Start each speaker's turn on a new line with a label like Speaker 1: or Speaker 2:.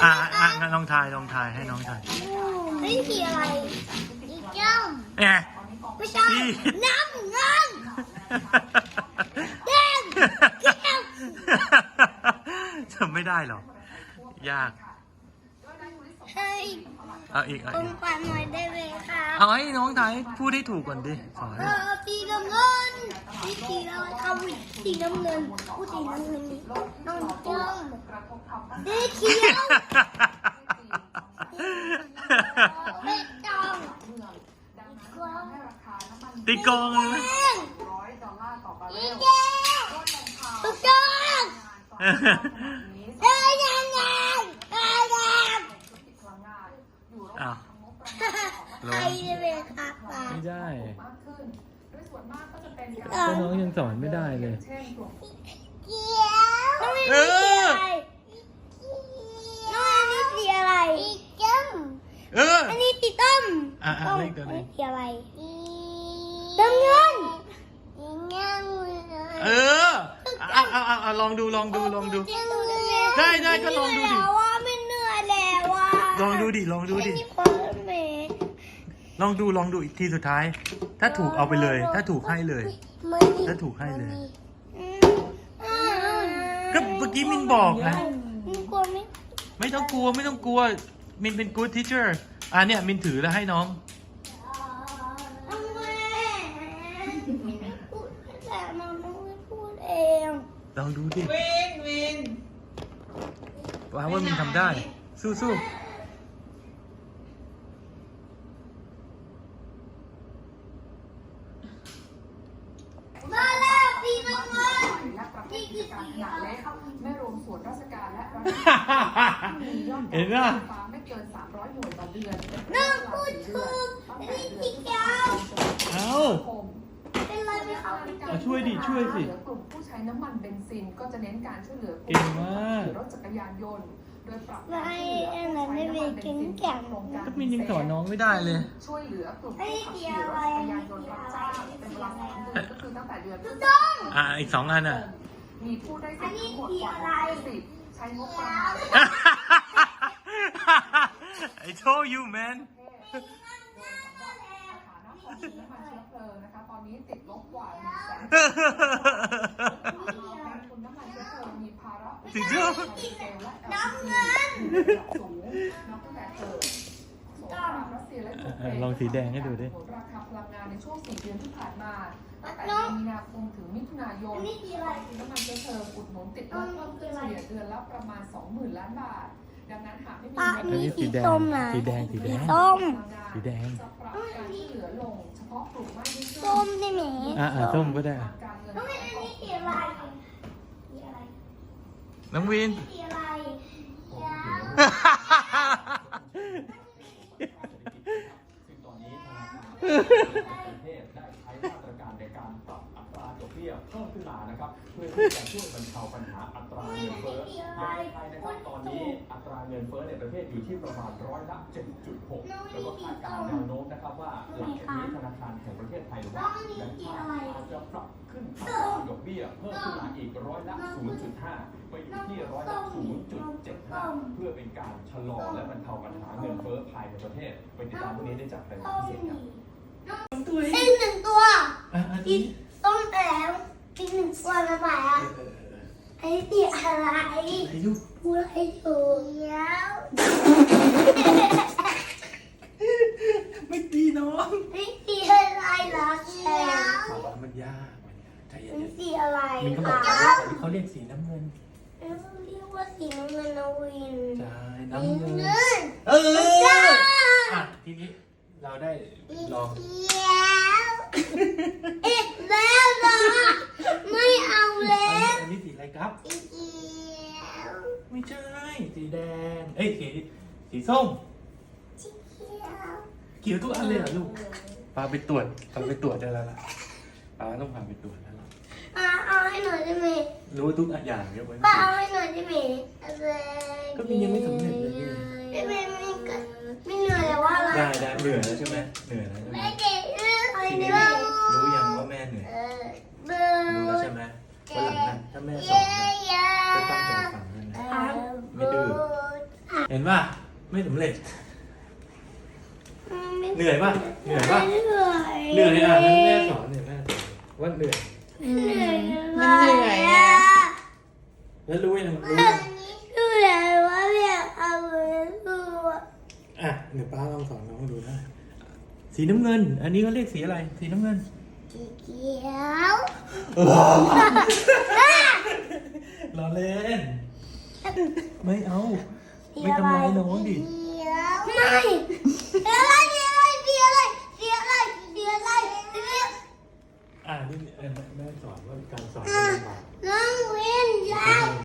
Speaker 1: งั้นลองทายให้น้องทาย
Speaker 2: นี่สีอะไรสีส้ม
Speaker 1: เนี่ย
Speaker 2: ไม่ใช่น้ำเงินแดงเขียว
Speaker 1: จำไม่ได้หรอกยาก
Speaker 2: เฮ้ย
Speaker 1: เอาอีก
Speaker 2: ผมปันหน่อยได้ไหมครับ
Speaker 1: เอาให้น้องทายพูดให้ถูกก่อนดิสอน
Speaker 2: สีน้ำเงินสีอะไรครับสีน้ำเงินผู้สีน้ำเงินนี่น้องส้มสีเขียวไม่ต้อง
Speaker 1: ตีกลองเลย
Speaker 2: อีเดียวถูกต้องเดินยังไงเดินยัง
Speaker 1: อ้าว
Speaker 2: ใครจะเป็นครับป้า
Speaker 1: ไม่ได้
Speaker 2: ก็
Speaker 1: น้องยังสอนไม่ได้เลย
Speaker 2: เขียวน้องอันนี้สีอะไรสีส้มอันนี้สีส้ม
Speaker 1: เลขตัว
Speaker 2: อัน
Speaker 1: นี้
Speaker 2: นี้สีอะไรน้ำเงิน
Speaker 1: ลองดูได้ก็ลองดูดิ
Speaker 2: ว่าไม่เหนื่อยแล้วว่า
Speaker 1: ลองดูดิ
Speaker 2: ไม่มีความเหม็น
Speaker 1: ลองดูอีกทีสุดท้าย ถ้าถูกเอาไปเลย ถ้าถูกให้เลย ถ้าถูกให้เลย ก็เมื่อกี้มินบอกนะ
Speaker 2: มึงกลัวไหม
Speaker 1: ไม่ต้องกลัวมินเป็น good teacher เนี่ยมินถือแล้วให้น้อง
Speaker 2: น้องแม่ไม่พูดแต่น้องไม่พูดเอง
Speaker 1: ลองดูดิ
Speaker 3: วิน
Speaker 1: ว่ามินทำได้ สู้
Speaker 2: มาแล้วสีน้ำเงิน
Speaker 3: และประเภทกิจการขนาดเล็กไม่รวมส่วนราชการและรัฐ
Speaker 1: เห็นป่ะ
Speaker 3: ไม่เกิน300หน่วยต่อเดือน
Speaker 2: น้องพูดถูกอันนี้สีเขียว
Speaker 1: เอา
Speaker 2: เป็นไรไหมคะ
Speaker 1: ช่วยสิ
Speaker 3: กลุ่มผู้ใช้น้ำมันเบนซินก็จะเน้นการช่วยเหลือกลุ่
Speaker 1: เก่งมาก
Speaker 3: รถจักรยานยนต์โดยปรับ
Speaker 2: ไม่อันนั้นไม่เป็นเก่งแก่ง
Speaker 1: ก็มินยังสอนน้องไม่ได้เลย
Speaker 3: ช่วยเหลือกลุ่มผู้ขับขี่รถจักรยานยนต์รับจ้างเป็นเวลา3 เดือนก็คือตั้งแต่เดือนพฤษภาคม
Speaker 1: อีก2 อัน
Speaker 3: มีผู้ได้สิทธิ์ทั้งหมดกว่า60ใช้งบประมาณ
Speaker 1: I told you man
Speaker 3: ฐานะของน้ำมันเชื้อเพลิงนะคะตอนนี้ติดลบกว่า100,000คุณน้ำมันเชื้อเพลิงมีภาระ
Speaker 1: จริงๆ
Speaker 2: น้ำเงิน
Speaker 3: สูงนับตั้งแต่เกิดสงครามรัสเซียและยูเครน
Speaker 1: ลองสีแดงให้ดูดิ
Speaker 3: ราคาพลังงานในช่วง4 เดือนที่ผ่านมาตั้งแต่เดือนมีนาคมถึงมิถุนายน
Speaker 2: อันนี้สีอะไร
Speaker 3: น้ำมันเชื้อเพลิงอุดหนุนติดลบเพิ่มขึ้นเฉลี่ยเดือนละประมาณ 20,000 ล้านบาทดังนั้นหากไม่มี
Speaker 2: อันนี้สีส้มนะ
Speaker 1: สีแดง
Speaker 2: ส้ม
Speaker 1: สีแดง
Speaker 3: จะปรับการช่วยเหลือลงเฉพาะกลุ่มไม่ได้ช่วย
Speaker 2: ส้มได้ไหม
Speaker 1: ส้มก็ได้
Speaker 3: การเงิน
Speaker 2: น้องอันนี้สีอะไรสีอะไร
Speaker 1: น้องวิน
Speaker 2: สีอะไร
Speaker 4: ซึ่งตอนนี้ธนาคารประเทศได้ใช้มาตรการในการปรับอัตราดอกเบี้ยเพิ่มขึ้นมานะครับเพื่อที่จะช่วยบรรเทาปัญหาอัตราเงินเฟ้อในไทยนะครับตอนนี้อัตราเงินเฟ้อในประเทศอยู่ที่ประมาณ7.6%แล้วก็คาดการณ์แนวโน้มนะครับว่าหลังจากนี้ธนาคารแห่งประเทศไทยหรือว่าแบงก์ชาติอาจจะปรับขึ้นอัตราดอกเบี้ยเพิ่มขึ้นมาอีก0.5%ไปอยู่ที่0.75%เพื่อเป็นการชะลอและบรรเทาปัญหาเงินเฟ้อภายในประเทศไปติดตามพวกนี้ได้จากรายงานพิเศษครับ
Speaker 2: อีกหนึ่งตัวอีกต้มแล้วอีกหนึ่งตัวละบาทไอ้สีอะไรพูดให้ถูกแล้ว
Speaker 1: ไม่ตีน้อง
Speaker 2: ไอ้สีอะไรล่ะแล้ว
Speaker 1: มันยากใจ
Speaker 2: มันสีอะไร
Speaker 1: มินก็บอก
Speaker 2: คะ
Speaker 1: เขาเรียกสีน้ำเงิน
Speaker 2: เรียกว่าสีน้ำเงินนะวิน
Speaker 1: ใช่
Speaker 2: น้ำ
Speaker 1: น้ำ
Speaker 2: เงิ
Speaker 1: เงิน
Speaker 2: น
Speaker 1: ทีนี้เราได้ลอง
Speaker 2: อีกแล้วเหรอไม่เอาแล้ว
Speaker 1: อันนี้สีอะไรครับ
Speaker 2: อีกแล้ว
Speaker 1: ไม่ใช่ สีแดง สีส้ม
Speaker 2: สีเขียว
Speaker 1: เขียวทุกอันเลยเหรอลูกพาไปตรวจได้แล้วล่ะป้าต้องพาไปตรวจแล้วล่ะ
Speaker 2: เอาให้หน่อยได้ไหม
Speaker 1: รู้ทุกอย่างยกเว้น
Speaker 2: ป้าเอาให้หน่อยได้ไหมอะไร
Speaker 1: ก็มินยังไม่สำเร็จเลยนี่
Speaker 2: ไม่ก็ไม่เหนื่อยแล้วว่าอะไร
Speaker 1: ได้เหนื่อยแล้วใช่ไหมเหนื่อยแล้วใช่ไหม
Speaker 2: ไม่เก่งอะไร
Speaker 1: ที
Speaker 2: เนี่
Speaker 1: นี้
Speaker 2: ย
Speaker 1: รู้ยังว่าแม่เหนื่อย
Speaker 2: เบอร์
Speaker 1: รู้แล้วใช่ไหมวันหลังน่ะถ้าแม่สอนนะจะตั้งใจฟังนะไม่ดื้อเห็นป่ะไม่สำเร็จเหนื่อยป่ะเหนื่อยป่ะ
Speaker 2: เหนื่อย
Speaker 1: เหนื่อยอ่ะงั้นแม่สอนเนี่ยแม่สอนว่าเหนื่อย
Speaker 2: เหนื่อย
Speaker 3: มันเหนื่อยอะ
Speaker 1: แล้วรู้ยังรู้
Speaker 2: เหนื่อยว่าอยากเอาไปดูอ่ะ
Speaker 1: อ่ะเดี๋ยวป้าลองสอนน้องดูนะสีน้ำเงิน อันนี้เขาเรียกสีอะไรสีน้ำเงิน
Speaker 2: สีเขียว
Speaker 1: รอเล่นไม่เอาไม่ทำร้ายน้องดิ
Speaker 2: เขียวไม่เดี๋ยวอะไรเดี๋ยวอะไรเดี๋ยวอะไรเดี๋ยวอะไรเดี๋ยวอะไรเดี๋ยว
Speaker 1: นี่แม่สอนว่าการสอนมันลำบาก
Speaker 2: น้องเว้นยัง